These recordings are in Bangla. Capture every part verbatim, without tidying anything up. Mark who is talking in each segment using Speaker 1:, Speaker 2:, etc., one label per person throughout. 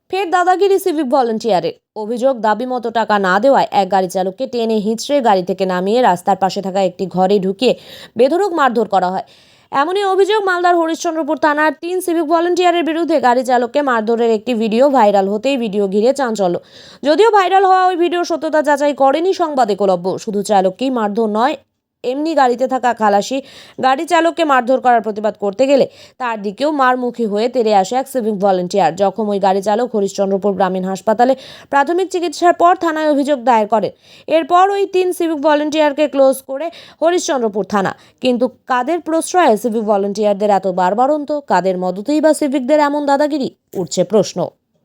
Speaker 1: ফের দাদাগিরি সিভিক ভলেন্টিয়ারের অভিযোগ, দাবি মতো টাকা না দেওয়ায় এক গাড়ি চালককে টেনে হিঁচড়ে গাড়ি থেকে নামিয়ে রাস্তার পাশে থাকা একটি ঘরে ঢুকিয়ে বেধড়ক মারধর করা হয়। এমনই অভিযোগ মালদার হরিশ্চন্দ্রপুর থানার তিন সিভিক ভলেন্টিয়ারের বিরুদ্ধে। গাড়ি চালককে মারধরের একটি ভিডিও ভাইরাল হতেই ভিডিও ঘিরে চাঞ্চল্য। যদিও ভাইরাল হওয়া ওই ভিডিও সত্যতা যাচাই করেনি সংবাদ একলব্য। শুধু চালককেই মারধর নয়, এমনি গাড়িতে থাকা খালাসি গাড়ি চালককে মারধর করার প্রতিবাদ করতে গেলে তার দিকেও মারমুখী হয়ে তেড়ে আসে এক সিভিক ভলেন্টিয়ার। জখম ওই গাড়ি চালক হরিশ্চন্দ্রপুর গ্রামীণ হাসপাতালে প্রাথমিক চিকিৎসার পর থানায় অভিযোগ দায়ের করেন। এরপর ওই তিন সিভিক ভলেন্টিয়ারকে ক্লোজ করে হরিশ্চন্দ্রপুর থানা। কিন্তু কাদের প্রশ্রয়ে সিভিক ভলেন্টিয়ারদের এত বারবারন্ত, কাদের মদতেই বা সিভিকদের এমন দাদাগিরি, উঠছে প্রশ্ন।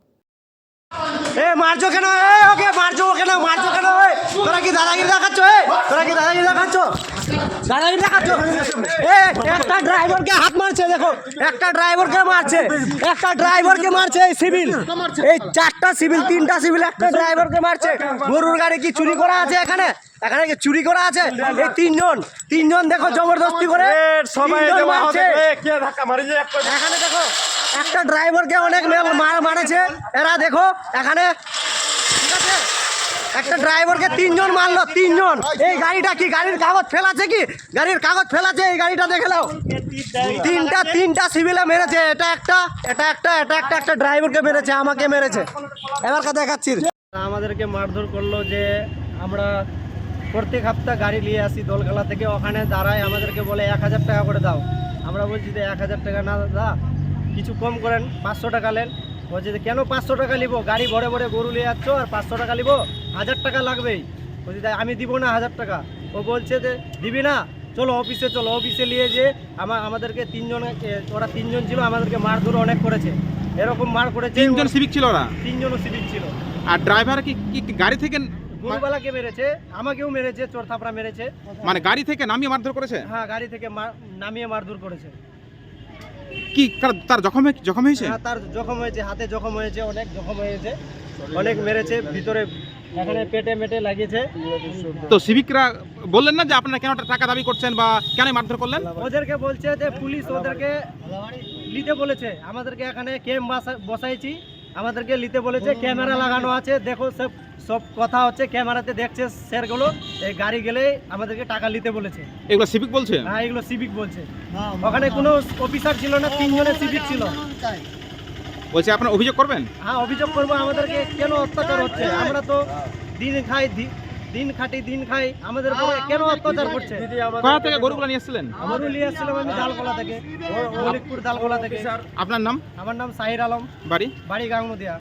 Speaker 2: এ মারছো কেন? এ ওকে মারছো কেন? মারছো কেন? তোরা কি দাদাগিরি দেখাচ্ছ? এ তোরা কি দাদাগিরি দেখাচ্ছ? দাদাগিরি দেখাচ্ছ? এ একটা ড্রাইভারকে হাত মারছে, দেখো একটা ড্রাইভারকে মারছে, একটা ড্রাইভারকে মারছে এই সিভিল, এই চারটা সিভিল, তিনটা সিভিল একটা ড্রাইভারকে মারছে। গরুর গাড়ি কি চুরি করা আছে এখানে? এখানে কি চুরি করা আছে? এই তিনজন তিনজন দেখো জবরদস্তি করে সবাই মারছে। এখানে দেখো একটা ড্রাইভারকে অনেক মারেছে এরা, দেখো এখানে ঠিক আছে, একটা ড্রাইভারকে তিনজন মারলো, তিনজন। এই গাড়িটা কি গাড়ির কাগজ ফেলাছে? কি গাড়ির কাগজ ফেলাছে? এই গাড়িটা দেখে নাও, তিনটা তিনটা সিভিলে মেরেছে। এটা একটা, এটা একটা, এটা একটা, একটা ড্রাইভারকে মেরেছে, আমাকে মেরেছে। এবার কথা দেখাচ্ছি।
Speaker 3: আমাদেরকে মারধর করলো যে আমরা প্রত্যেক সপ্তাহ গাড়ি নিয়ে আসি দোলখালা থেকে, ওখানে দাঁড়ায় আমাদেরকে বলে এক হাজার টাকা করে দাও। আমরা বলছি যে এক হাজার টাকা না দা, কিছু কম করেন, পাঁচশো টাকা নেন। বলছে যে কেন পাঁচশো টাকা নিবো? গাড়ি ভরে ভরে গরু নিয়ে যাচ্ছ আর পাঁচশো টাকা নিবো? হাজার টাকা লাগবেই। বলছি তাই আমি দিব না হাজার টাকা। ও বলছে যে দিবি না, চলো অফিসে চলো। অফিসে নিয়ে যে আমার আমাদেরকে তিনজন, ওরা তিনজন ছিল, আমাদেরকে মারধর অনেক করেছে। এরকম মার করেছে।
Speaker 4: তিনজন সিভিক ছিল ওরা?
Speaker 3: তিনজনও সিভিক ছিল।
Speaker 4: আর ড্রাইভার কি কি গাড়ি থেকে?
Speaker 3: গরুবালাকে মেরেছে, আমাকেও মেরেছে, চোর থাপড়া মেরেছে।
Speaker 4: মানে গাড়ি থেকে নামিয়ে মারধর করেছে?
Speaker 3: হ্যাঁ, গাড়ি থেকে নামিয়ে মারধর করেছে।
Speaker 4: কি তার জখম জখম হয়েছে?
Speaker 3: হ্যাঁ, তার জখম হয়েছে, হাতে জখম হয়েছে, অনেক জখম হয়েছে, অনেক মেরেছে, ভিতরে এখানে পেটে মেটে লাগিয়েছে।
Speaker 4: তো সিভিকরা বললেন না যে আপনারা কেন টাকা দাবি করছেন বা কেন মারধর করলেন?
Speaker 3: ওদেরকে বলছে যে পুলিশ ওদেরকে নিতে বলেছে, আমাদেরকে এখানে ক্যাম্প বসাইছি, আমাদেরকে নিতে বলেছে, ক্যামেরা লাগানো আছে, দেখো সব সব কথা হচ্ছে, ক্যামেরাতে দেখছে স্যারগুলো। এই গাড়ি গেলে আমাদেরকে টাকা নিতে বলেছে।
Speaker 4: এগুলো সিভিক বলছে?
Speaker 3: হ্যাঁ, এগুলো সিভিক বলছে। ওখানে কোনো অফিসার ছিল না, তিনজনের সিভিক ছিল।
Speaker 4: বলছে আপনারা অভিযোগ করবেন?
Speaker 3: হ্যাঁ, অভিযোগ করবো। আমাদেরকে কেন অত্যাচার হচ্ছে? আমরা তো দিন খাই, দিন খাটি, দিন খাই, আমাদের উপরে কেন অত্যাচার করছে?
Speaker 4: কোথা থেকে গরুগুলো নিয়ে এসেছিলেন?
Speaker 3: গরু নিয়ে এসেছিলাম আমি দালকোলা থেকে, মলিকপুর দালকোলা থেকে।
Speaker 4: আপনার নাম?
Speaker 3: আমার নাম সাহির আলম,
Speaker 4: বাড়ি?
Speaker 3: বাড়ি গাংনদিয়া।